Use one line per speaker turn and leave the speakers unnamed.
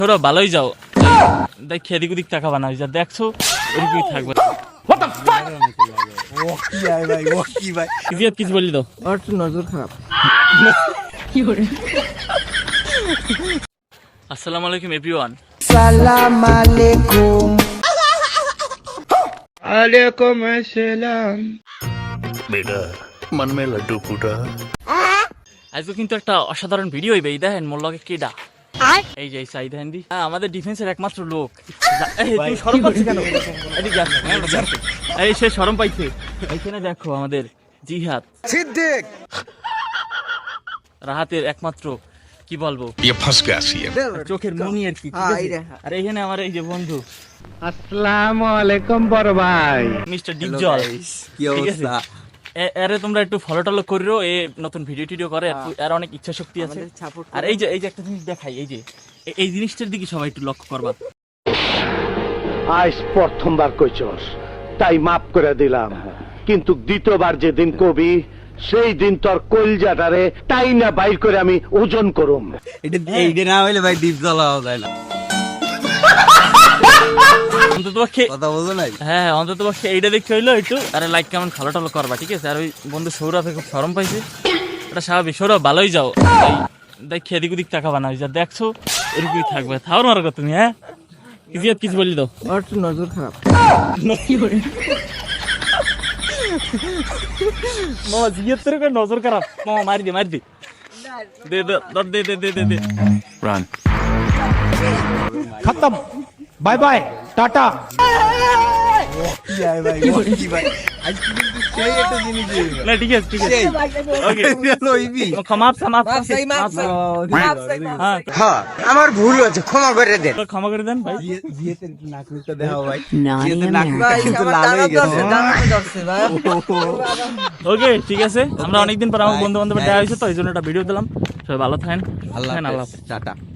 তোরা ভালোই যাও, দেখ এদিক ওদিক তাকাবা না, যা দেখছো ওদিকেই থাকবে। কিছু বললি তো
নজর খারাপ।
আসসালামু আলাইকুম এভরিওয়ান।
সালাম আলাইকুম।
वालेकुम अस्सलाम।
बेटा मन में लड्डू फूटा।
আজকে কিন্তু একটা অসাধারণ ভিডিও হইবে। এই দেখেন মোর লগে কেডা, এই যে সাইদ হান্দি আমাদের ডিফেন্সের একমাত্র লোক। তুই শরম পাচ্ছিস কেন? এদিকে আস, এই সে শরম পাইছে। এইখানে দেখো আমাদের জিহাদ
সিদ্দিক
রাহাতের একমাত্র কি বলবো
ये फंस गया सी है।
চোখের মনি আর কি। আর এইখানে আমার এই যে বন্ধু
अस्सलामु अलैकुम बड़ भाई।
মিস্টার ডিপজল।
কি অবস্থা?
আরে তোমরা একটু ফলো টলো করিও, এ নতুন ভিডিও টিডিও করে, আর অনেক ইচ্ছা শক্তি আছে। আর এই যে একটা জিনিস দেখাই, এই যে এই জিনিসটার দিকে সবাই একটু লক্ষ্য করবা।
আজ প্রথমবার কইছস তাই মাফ করে দিলাম, কিন্তু দ্বিতীয়বার যেদিন কবি সেই দিন তোর কলজাটারে তাই না বাইর করে আমি ওজন করুম।
এইটা না হইলে ভাই ডিপ জ্বালাও যায় না।
অন্ততপক্ষে
কথা বলছো নাই?
হ্যাঁ, অন্ততপক্ষে এইটা দেখতে হইলো একটু আরে লাইক কেমন ফলো টলো করবা, ঠিক আছে? আর ওই বন্ধু সৌরভে খুব শরম পাইছে, এটা স্বাভাবিক। সৌরভ ভালোই যাও, দেখ এদিক ওদিক তাকাবা না, যা দেখছো এদিকেই থাকবে। থাও মারো তুমি। হ্যাঁ, কিছু বললি তো
নজর খারাপ।
মামা জিয়ার তোর নজর খারাপ। মামা মারি দে দে দে দে দে দে দে।
रन।
खत्म, बाय बाय, टाटा।
না ঠিক আছে ওকে ক্ষমা
হ্যাঁ আমার ভুল হয়েছে, ক্ষমা করে দেন।
ক্ষমা করে দেন ভাই।
নাকটা দেখাও ভাই। কিন্তু লাল হয়ে গেছে।
ওকে ঠিক আছে, আমরা অনেকদিন পর আমার বন্ধু বান্ধব দেখা হয়েছে, তো এই জন্য একটা ভিডিও দিলাম। সবাই ভালো থাকেন, আল্লাহ হাফেজ,
টাটা।